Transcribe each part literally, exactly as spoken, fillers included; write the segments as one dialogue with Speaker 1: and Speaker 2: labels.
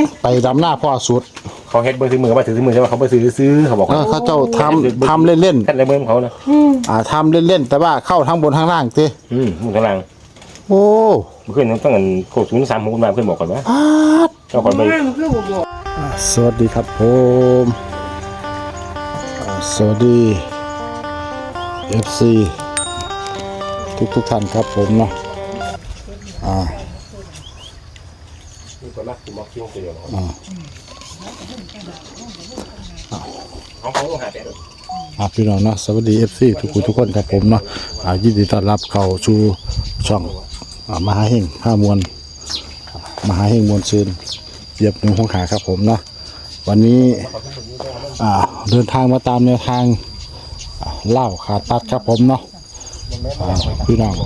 Speaker 1: ไปดำหน้าพ่อสุด
Speaker 2: เขาเฮ็ดเบอร์ซื้อมือมาถือซื้อมือใช่ไหมเขาไปซื้อซื้อเขาบอก
Speaker 1: เขาเจ้าทำทำเล่นๆ
Speaker 2: ท่านในเมืองเขานะ
Speaker 1: อ่าทำเล่นๆแต่ว่าเข้าทั้งบนทั้งล่างสิ
Speaker 2: อืมมุนทั้งล่าง
Speaker 1: โอ้
Speaker 2: เพื่อนต้องเงินโคศูนย์สามหกมาเพื่อนบอกก่อนว่าเจ้าคนไป
Speaker 1: สวัสดีครับผมสวัสดีเอฟซีทุกทุกท่านครับผมเนาะอ่าอ่าอ่าพี่น้องเนาะสวัสดีเอฟซีทุกคนทุกคนครับผมเนาะอ่ายินดีต้อนรับเข้าสู่ช่องอ่ามหาเฮงผ้ามวลมหาเฮงมวลซืนเหยียบหนึ่งหัวขาครับผมเนาะวันนี้อ่าเดินทางมาตามแนวทางเล่าขาดตัดครับผมเนาะพี่น้อง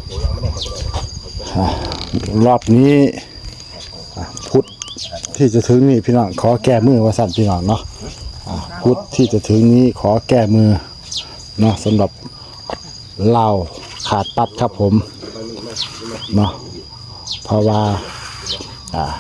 Speaker 1: รอบนี้พุธที่จะถึงนี่พี่น้องขอแก้มือว่าสั่นพี่น้องเนาะพุธที่จะถึงนี้ขอแก้มือเนาะสำหรับเล่าขาดตัดครับผมเนาะเพราะว่าอ่า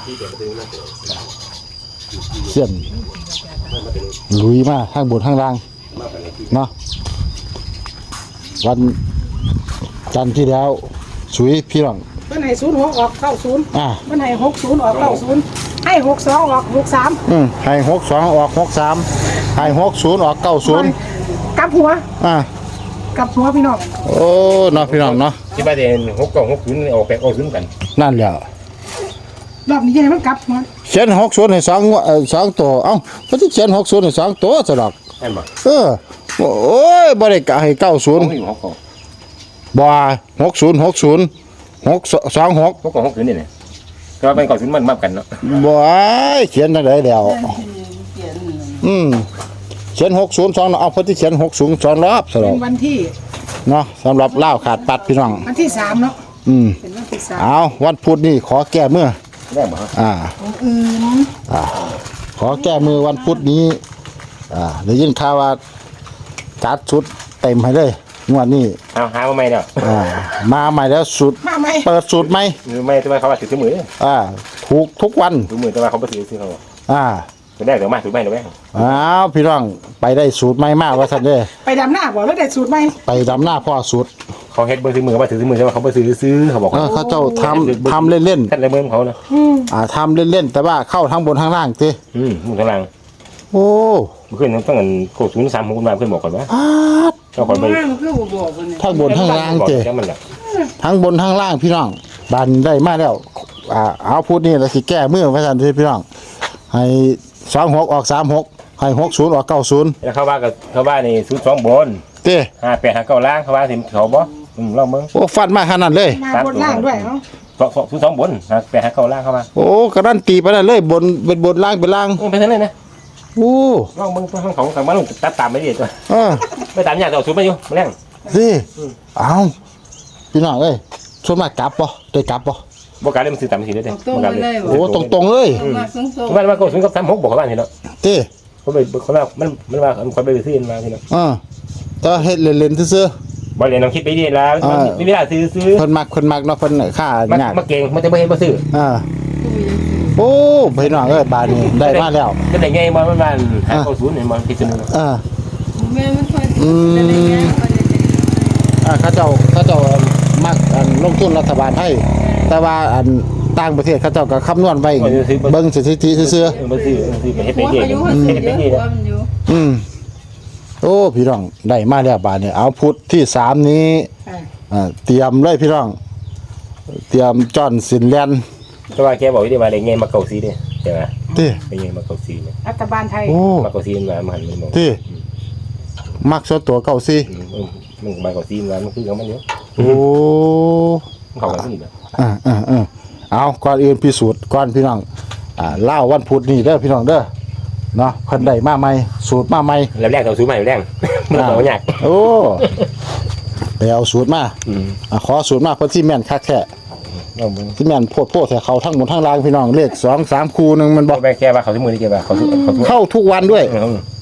Speaker 1: เสี้ยนลุยมาข้างบนข้างล่างเนาะวันจันทร์ที่แล้วสุยพี่น้อง
Speaker 3: วันไหนศูนย์หกออกเก้าศูนย์
Speaker 1: อ่า
Speaker 3: วันไหนหกศูนย์ออกเก้าศูนย์ให้หกสองออกหกสาม
Speaker 1: อืมให้หกสองออกหกสามให้หกศูนย์ออกเก้าศูนย์
Speaker 3: กลับหัว
Speaker 1: อ่า
Speaker 3: กับหัวพี่น้อง
Speaker 1: โอ้เนาะพี่น้องเนาะ
Speaker 2: ที่บ้านเด่นหกกล่องหกศูนย์ออกแปดออกศูนย์กัน
Speaker 1: นั่นแหละ
Speaker 3: รอบนี้ยังไงมันกลับหัว
Speaker 1: เขียนหกศูนย์ให้สองเอ่อสองตัวเอ้าเพราะที่เขียนหกศูนย์ให้สองตัวสะดอก
Speaker 2: ใช่ไหม
Speaker 1: เออโอ้ยบริกะให้เก้าศูนย์บ่หกศูนย์หกศูนย์หกสองหก
Speaker 2: หกกล่องหกศูนย์นี่เนี่ยก็เป็นเก้าศูนย์มันมากกันเนาะ
Speaker 1: บ่เขียนอะไรเดียวอืมเขียนหกศูนย์สองเอาเพราะที่เขียนหกศูนย์สองรอบสะดอก
Speaker 3: เป็นวันที่
Speaker 1: เนาะสำหรับเล่าขาดปัดพี่น้อง
Speaker 3: วันที่สามเนาะ
Speaker 1: อืม
Speaker 3: เป็นวันที่สาม
Speaker 1: เอาวันพุธนี่ขอแก้มือ
Speaker 2: ได้บ่
Speaker 1: อ่า
Speaker 3: อืม
Speaker 1: อ่าขอแก้มือวันพุธนี้อ่าได้ยินข่าวว่าจัดชุดเต็มให้เลยงวดนี้
Speaker 2: เอาหามาใหม่เนาะ
Speaker 1: อ่ามาใหม่แล้วสุด
Speaker 3: มาใหม่
Speaker 1: เปิดสูตรใหม่
Speaker 2: ไม่ทำไมเขาว่าถือมือ
Speaker 1: อ่าถูกทุกวัน
Speaker 2: ถือมือแต่ว่าเขาไม่ถือซื้อเขา
Speaker 1: อ่า
Speaker 2: จะได้เดี๋ยวมาถือไม่เดี๋ยวแม่
Speaker 1: อ้าวพี่น้องไปได้สูตรใหม่มากว่าท่านเด้
Speaker 3: ไปดำหน้าบ่แล้วได้สูตรใหม่
Speaker 1: ไปดำหน้าพ่อสูตร
Speaker 2: เขาเฮ็ดเบอร์ซื้อมือมาถือซื้อมือใช่ไหมเขาไปซื้อซื้อเขาบอก
Speaker 1: เขาเจ้าทำทำเล่น
Speaker 2: ๆท่านในเมืองเขานะ
Speaker 1: อ่าทำเล่นๆแต่ว่าเข้าทั้งบนทั้งล่างสิ
Speaker 2: อืมมุนทั้งล่าง
Speaker 1: โอ้
Speaker 2: เพื่อนต้องเงินโคศูนย์สามหกมาเพื่อนบอกก่อนว่าเจ้าคนไป
Speaker 1: ทั้งบนทั้งล่างเจ้ทั้งบนทั้งล่างพี่น้องบันได้มาแล้วอ่าเอาพูดนี่แล้วสิแก้มือพระท่านพี่น้องให้สองหกออกสามหกให้หกศูนย์ออกเก้าศูนย์
Speaker 2: แล้วเขาว่ากับเขาว่านี่ศูนย์สองบน
Speaker 1: เต้
Speaker 2: ห้าแปดห้าเก้าล่างเขาว่าสิเขาบ่อืมเราเมือง
Speaker 1: โอ้ฟันมาขนาดเลย
Speaker 3: มาบนล่างด้วยเนาะ
Speaker 2: ศูนย์สองบนห้าแปดห้าเก้าล่างเขาว่า
Speaker 1: โอ้กระดันตีไปนั่นเลยบนเป็นบนล่างเป็นล่าง
Speaker 2: ไปทั้งนั้นนะ
Speaker 1: โอ้
Speaker 2: เราเมืองของของของมันตัดตามไม่ดีตัว
Speaker 1: เออ
Speaker 2: ไม่ตามอย่างเราสูบไม่อยู่มาแรง
Speaker 1: สิเอาพี่น้องเอ้ยชวนมากลับป่ะได้กลับป่ะ
Speaker 2: บอกการเล่นมันสื่อตามสีได้เลย
Speaker 1: โอ้ตรงตรงเลย
Speaker 2: ว่าว่าก็ถึงกับสามหกบอกเขาบ้านทีเนาะ
Speaker 1: เต้
Speaker 2: เขาไปเขาว่ามันมันว่าคนไปซื้อมาทีเนาะ
Speaker 1: อ่าแต่เฮ็ดเล่นๆซื่
Speaker 2: อบอลเล่นน้องคิดไปดีแล้วไม่ได้ซื้อซื้อ
Speaker 1: คนมักคนมักเนาะคนค่าหยาด
Speaker 2: มาเก่งมันจะไม่เห็นมาซื้อ
Speaker 1: อ่าโอ้พี่น้องเอ้ยบานนี้ได้มาแล้ว
Speaker 2: ก็ได้ไงมันมันมันหาเข้าศูนย์เนี่ยมันคิดนึง
Speaker 1: อ่า
Speaker 3: อื
Speaker 1: มอ่าเขาเจ้าเขาเจ้ามักอันลงทุนรัฐบาลให้แต่ว่าอันต่างประเทศเขาเจ้าก็คำนวณไว้เบิ่งสถิติซื่อ
Speaker 2: ๆบ่ซื้อซื้อไปเฮ็ดไปเฮ็ดเฮ็ดไปเฮ็ด
Speaker 1: อืมโอ้พี่น้องได้มาแล้วบาดนี้เอาพุธที่สามนี้อ่าเตรียมเลยพี่น้องเตรียมจ้อนสินแลน
Speaker 2: แต่ว่าแกบอกว่าได้มาได้ไงมาเกาซีเด้ใช่มั้ย
Speaker 1: เด้
Speaker 2: ได้ไงมาเกาซีเนี่ย
Speaker 3: รัฐบาลไทย
Speaker 2: มาเกาซีมามันมันบอก
Speaker 1: เด้มักส่วนตัวเกาซี
Speaker 2: มันมาเกาซีมันคือของมันเยอะ
Speaker 1: โอ้
Speaker 2: เขากันนี่แบบ
Speaker 1: อ่าอ่าอ่าเอาก่อนอื่นพิสูจน์ก่อนพี่น้องอ่าเล่าวันพุธนี่เด้อพี่น้องเด้อเนาะคนใดมาใหม่สูตรมาใหม่
Speaker 2: แล้วแรกเราสูตรใหม่แรกมันบอกยาก
Speaker 1: โอ้ไปเอาสูตรมาอ่าขอสูตรมาเพราะที่แม่นคักแท้ที่แม่นโพดโพดแต่เขาทั้งหมดทั้งรางพี่น้องเลขสองสามคูนึงมันบอก
Speaker 2: แม่แค่ว่าเขาที่มือนี่แกว่าเขาเขา
Speaker 1: เข้าทุกวันด้วย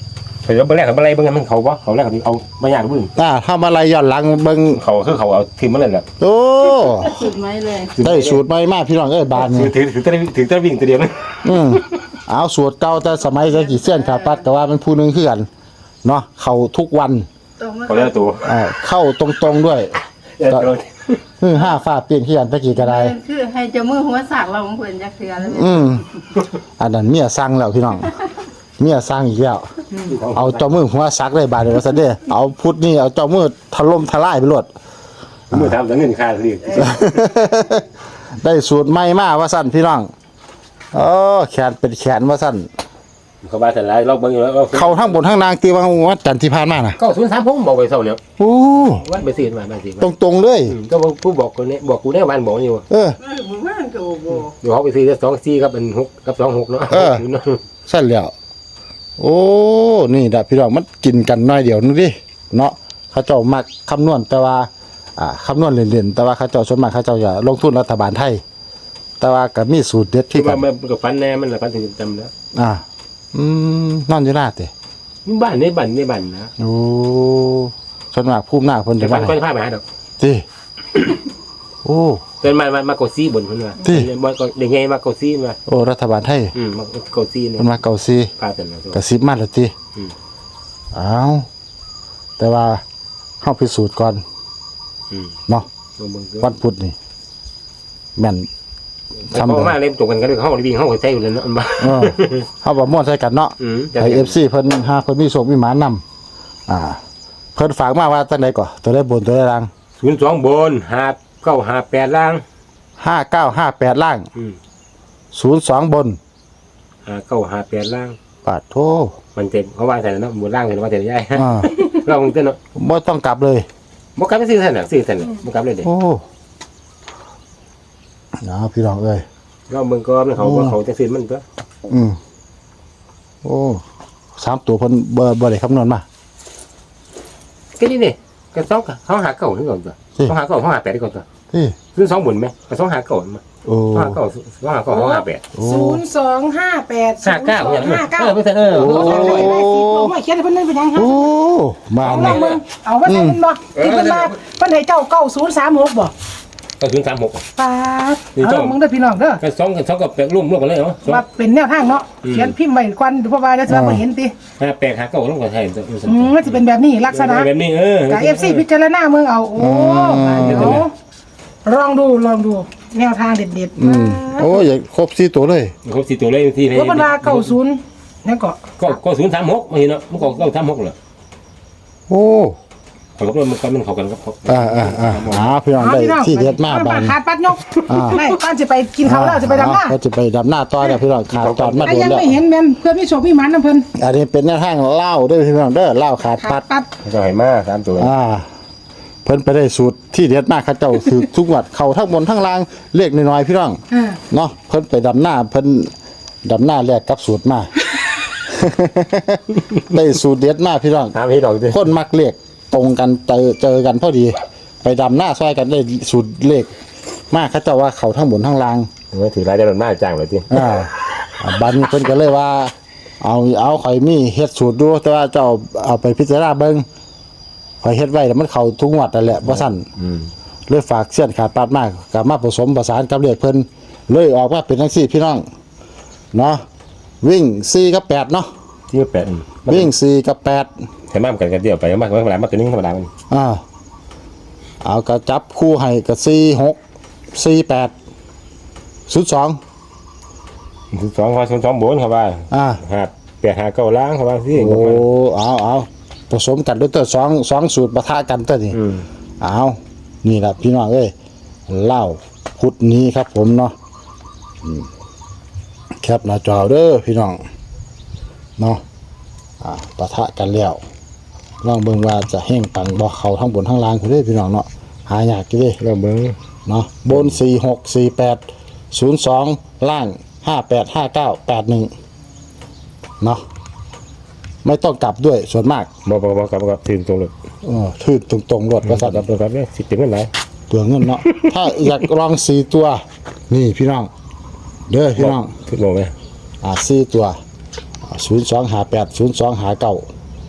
Speaker 2: เดี๋ยวเบิ่งแรกกับอะไรเบิ่งมันเขาบ่เขาแรกเอาไม่ยากบึ้ง
Speaker 1: อ่าถ้ามาไล่ย้อนหลังเบิ่ง
Speaker 2: เขาคือเขาเอาทีมมาเลยแหละ
Speaker 1: โอ้
Speaker 4: สุดไหมเลย
Speaker 1: ได้สูตรใหม่มาพี่น้องเอ้ยบาน
Speaker 2: ถื
Speaker 1: นี่
Speaker 2: อถือถือจะถือจะวิ่งตัวเดียวนะ
Speaker 1: อืมเอาสูตรเก่าแต่สมัยใช้กี่เส้นขาดปัดก็ว่ามันผู้หนึงคือกันเนาะเข้าทุกวัน
Speaker 4: ตรงมา
Speaker 2: เขาเรียกตัว
Speaker 1: อ่าเข้าตรงๆด้วยฮือห้าฟ้าเปลี่ยนขี้กันตะกี้ก็ได้
Speaker 4: คือให้เจ้ามือหัวสากเราของเพิ่นจักเทื่อแล้ว
Speaker 1: อืมอันนั้นเมียสั่งแล้วพี่น้องเมียสั่งอีกแล้วเอาเจ้ามือหัวซักได้บาดเดียวซะเด้อเอาพุทธนี่เอาเจ้ามือถล่มทลายไปโลด
Speaker 2: มือทำแต่เงินค่าเรียก
Speaker 1: ได้สูตรใหม่มาว่าสั่นพี่น้องเออแขนเป็นแขนว่าสั่น
Speaker 2: เขาบ้าแต่ไรเราเบิ่งอยู่แล้ว
Speaker 1: เขาทั้งบนทั้งนางตีว่าวัดจันทร์ที่ผ่านมาน่ะ
Speaker 2: ก็ศูนย์สามผมบอกไปเท่าเนี่ย
Speaker 1: โอ้
Speaker 2: วัดไปซื้อมาบ้านสิ
Speaker 1: ตรงๆเลย
Speaker 2: ก็ผู้บอกคนนี้บอกกูได้บ้านบอกอยู่
Speaker 1: เออ
Speaker 4: มึงว่าก็บ่
Speaker 2: เดี๋ยวเขาไปซื้อสองสี่กับเป็นหกกับสองหกเนาะ
Speaker 1: สั่นแล้วโอ้นี่ดะพี่น้องมันกินกันน้อยเดียวนึงดิเนาะเขาเจ้ามักคำนวณแต่ว่าอ่าคำนวณเล่นๆแต่ว่าเขาเจ้าส่วนมากเขาเจ้าอย่าลงทุนรัฐบาลไทย แต่ว่าก็มีสูตรเด็ด
Speaker 2: ที่
Speaker 1: ที่กั
Speaker 2: ว่าน มันกับฟันแน่มันละฟันถึงจำแล้ว
Speaker 1: อ่าอืมนอนอยู่หน้าเตะ
Speaker 2: บ้านในบ้านในบ้านนะ
Speaker 1: โอ้ส่วนมากภูมิหน้าเพิ่น
Speaker 2: แต่
Speaker 1: จะ
Speaker 2: ฟั
Speaker 1: มาน
Speaker 2: ก็พาไปหาดอก
Speaker 1: ติโอ้
Speaker 2: เป็นมามาโกซี่บนเพิ่นว่ามาก็ได้ไงมาโกซี่มา
Speaker 1: โอ้รัฐบาลไทย
Speaker 2: อืมมาโกซี่เนี่ย
Speaker 1: เพิ่นมาเก่าซี
Speaker 2: พาแต่ละ
Speaker 1: กระซิบมาแล้วติ
Speaker 2: อืม
Speaker 1: อ้าวแต่ว่าเฮาพิสูจน์ก่อน
Speaker 2: อืม
Speaker 1: เนาะ
Speaker 2: เบิ่ง
Speaker 1: วันพุธนี่แม่น
Speaker 2: เขามาเล่นตรงกันก็เลยเขาวิ่งเขาใจอยู่เลยเนาะบ้า
Speaker 1: เออเฮาบ่ม่วนใส่กันเนาะ
Speaker 2: อืม
Speaker 1: ให้ เอฟ ซี เพิ่นหาเพิ่นมีโชคมีหมานำอ่า เพิ่นฝากมาว่าจังได๋ก่อตัวได้บนตัวได้ล่าง
Speaker 2: ศูนย์สองบนห้าเก้าห้าแปดล่าง
Speaker 1: ห้าเก้าห้าแปดล่าง
Speaker 2: อืม
Speaker 1: ศูนย์สองบน
Speaker 2: ห้าเก้าห้าแปดล่าง
Speaker 1: ปาดโท
Speaker 2: มันเต็มเขาว่าแต่ละเนาะบนล่างเลยว่าแต่ละย่าย
Speaker 1: อ่า
Speaker 2: เราคงเต้นเนาะ
Speaker 1: บ่ต้องกลับเลย
Speaker 2: บ่กลับไปซื้อท่านน่ะซื้อท่านน่ะบ่กลับเลยเด้
Speaker 1: โอ้นะพี่น้องเอ้ย
Speaker 2: เราเบิ่งก็มันเขาเขาจะซื้อมันตัว
Speaker 1: อืมโอ้สามตัวเพิ่นบ่บ่ได้คำนวณมา
Speaker 2: ก็นี่นี่ก็สองเขาหาเก่าถึงก่อนตัวเขาหาเก่าเขาหาแปดก่อนตัว
Speaker 1: ที่
Speaker 2: ซื้อสองบนไหมก็สองหาเก่ามา
Speaker 1: โอ้
Speaker 2: เขาหาเก่าเขาหาเก่าเขาหาแปด
Speaker 1: โอ้
Speaker 3: ศูนย์สองห้าแปด
Speaker 2: ห้าเก้าเนี่ย
Speaker 3: ห้าเก้า
Speaker 2: เออไม่ใช่เออ
Speaker 3: โอ้โหไม่เขียนให้เพิ่นนั่นเป็นยังฮะ
Speaker 1: โอ้มา
Speaker 3: เอา
Speaker 1: นี่
Speaker 3: ลองมึงเอาว่าใช่เพิ่นบ่ที่เพิ่นมาเพิ่นให้เจ้าเก้าศูนย์สามหกบ่
Speaker 2: ก็ศูนย์สามหก
Speaker 3: ปาดเอาลองมึงเด้อพี่น้องเด้อ
Speaker 2: ก็สองสองกับแปดร่วมร่วมกันเลยเนาะ
Speaker 3: ว่าเป็นแนวทางเนาะเขียนพิมพ์ไว้ก่อนเพราะว่าเดี๋ยวจะบ่เห็นติ
Speaker 2: ห้าแปดหาเก่าร่วมกันใช่
Speaker 3: อืมมันสิเป็นแบบนี้ลักษณะ
Speaker 2: แบบนี้เออ
Speaker 3: กับ เอฟ ซี พิจารณาเมืองเอาโอ้เดี๋ยวลองดูลองดูแนวทางเด็ดๆ
Speaker 1: อืมโอ้ยอย่าครบสี่ตัวเลย
Speaker 2: ครบสี่ตัวเลยที่
Speaker 3: ว่าเพิ่นว่าเก้าศูนย์นั่นก็
Speaker 2: ก็ก็ศูนย์สามหกมาเห็นเนาะมันก็เก้าสามหกเหรอ
Speaker 1: โอ้
Speaker 2: เขาก็มันก็มันเข้ากันกับเขา
Speaker 1: อ่าอ่าอ่าอ่าพี่น้องได้ที่เด็ดมากบาน
Speaker 3: ขาดปัดยก
Speaker 1: อ่า
Speaker 3: ได้ป้านจะไปกินข้าวแล้วจะไปดำหน้า
Speaker 1: เขาจะไปดำหน้าต่อแล้วพี่น้องขาดตอนมา
Speaker 3: แต่
Speaker 1: โดน
Speaker 3: ยัง
Speaker 1: แล้ว
Speaker 3: ไม่เห็นแม่นเพื่อมีโชคมีหมันนำเพิ่น
Speaker 1: อันนี้เป็นแนวทางเล่าด้วยพี่น้องเด้อเล่าขาด
Speaker 3: ขา
Speaker 1: ปั
Speaker 3: ด
Speaker 1: ด
Speaker 3: ปัด
Speaker 2: ก็ให้มาสามตัว
Speaker 1: อ่า เพิ่นไปได้สูตรที่เด็ดมากเขาเจ้าคือทุกงวัดเขาทั้งบนทั้งล่างเลขน้อยๆพี่น้อง
Speaker 3: อ่า
Speaker 1: เนาะเพิ่นไปดำหน้าเพิ่นดำหน้าแลกกับสูตรมา ได้สูตรเด็ดมากพี่น้อง
Speaker 2: ถามให้ดอกดิ
Speaker 1: คนมักเลขตรงกันเจอเจอกันพอดี ไปดำหน้าซอยกันได้สูตรเลขมากเขาเจ้าว่าเขาทั้งบนทั้งล่าง
Speaker 2: ว่าถือรายได้มันมากจังเลยที
Speaker 1: อ่าบันเพิ่นก็เลยว่า เอาเอาข่อยมีเฮ็ดสูตรดูแต่ว่าเจ้าเอาไปพิจารณาเบิ่งข่อยเฮ็ดไว้แล้วมันเข้าทุกงวดนั่นแหละบ่ซั่น
Speaker 2: อืม
Speaker 1: เลยฝากเสี้ยนขาดปาดมากก็มาผสมประสานกับเลขเพิ่นเลยออกมาเป็นจังซี่พี่น้องเนาะวิ่งสี่กับแปดเนาะ
Speaker 2: ที่แปด
Speaker 1: วิ่งสี่กับแปด
Speaker 2: ใช้มากกันกันเดียวไปมากมากมากตัวนี้ธรรมดามัน
Speaker 1: อ่าเอาก็จับคู่ให้ก็สี่หกสี่แปดศูนย์สอง
Speaker 2: สองพันสองบนเขาว่า
Speaker 1: อ่า
Speaker 2: หาแปดหาเก้าล้างเขาว่าสิ
Speaker 1: โอ้เอาเอาผสมกันด้วยตัวสองสองสูตรปะทะกันตัวนี้
Speaker 2: อืม
Speaker 1: เอานี่แหละพี่น้องเอ้ยเล่าพุธนี้ครับผมเนาะอืมแคปหน้าจอเด้อพี่น้องเนาะอ่าปะทะกันแล้วลองเบิ่งว่าจะแห้งปังบ่เขาทั้งบนทั้งล่างคุณเด้อพี่น้องเนาะหายากอยู่เด้
Speaker 2: เราเบิ้ง
Speaker 1: เนาะบนสี่หกสี่แปดศูนย์สองล่างห้าแปดห้าเก้าแปดหนึ่งเนาะไม่ต้องกลับด้วยส่วนมาก
Speaker 2: บอกบอกบอกกับกับถึงตรงเลย
Speaker 1: เออทื่นตรงๆรถก็สัตว์
Speaker 2: กับกับเนี่ยสิบเต็มเงินไหน
Speaker 1: เปลืองเงินเนาะ ถ้าอยากลองสี่ตัว นี่พี่น้อง เด้อพี่น้อง
Speaker 2: ถึงบอกไหม
Speaker 1: อ่าสี่ตัวศูนย์สองหาแปดศูนย์สองหาเก้า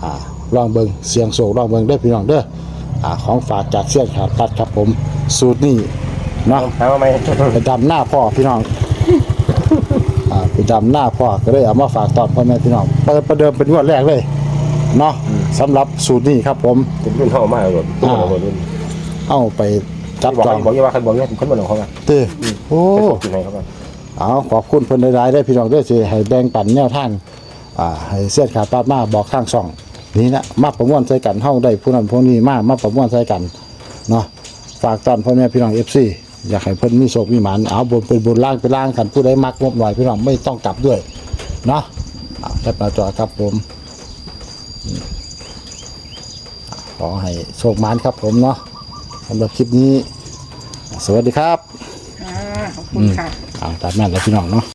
Speaker 1: อ่าลองเบิ่งเสียงโศกลองเบิ่งเด้อพี่น้องเด้ออ่าของฝากจากเสี้ยนขาดปัดครับผมสูตรนี้เนาะ
Speaker 2: ถามว่าไหม
Speaker 1: ไปดำหน้าพ่อพี่น้องอ่าไปดำหน้าพ่อก็เลยเอามาฝากตอนพ่อแม่พี่น้องเปิดประเดิมเป็นงวดแรกเลยเนาะสำหรับสูตรนี้ครับผม
Speaker 2: เป็นรุ่นเท่ามากเลยรุ่น
Speaker 1: เอาไปจับ
Speaker 2: บอก
Speaker 1: จอง
Speaker 2: บอกยังว่าใครบอกยังคนบอกเขาไง
Speaker 1: เต้โอ้
Speaker 2: กินไหนเขาบ้าง
Speaker 1: เอาขอบคุณเพิ่นหลายๆได้อพี่น้องเด้อสิให้แบ่งปันแนวทางอ่าให้เสี้ยนขาดปัดมาบอกทางช่องนี่นะมาประมวลใส่กันเฮาได้ผู้นั้นผู้นี้มามาประมวลใส่กันเนาะฝากตอนพ่อแม่พี่น้อง เอฟ ซี อยากให้เพิ่นมีโชคมีหมานเอาบนเป็นบนล่างเป็นล่างกันผู้ใดมักงบหน่อยพี่น้องไม่ต้องกลับด้วยเนาะเอาแคปหน้าจอครับผมขอให้โชคหมานครับผมเนาะสำหรับคลิปนี้ สวัสดีครับ
Speaker 3: อ่าขอบคุณค่ะ
Speaker 1: เอาตามนั้นแล้วพี่น้องเนาะ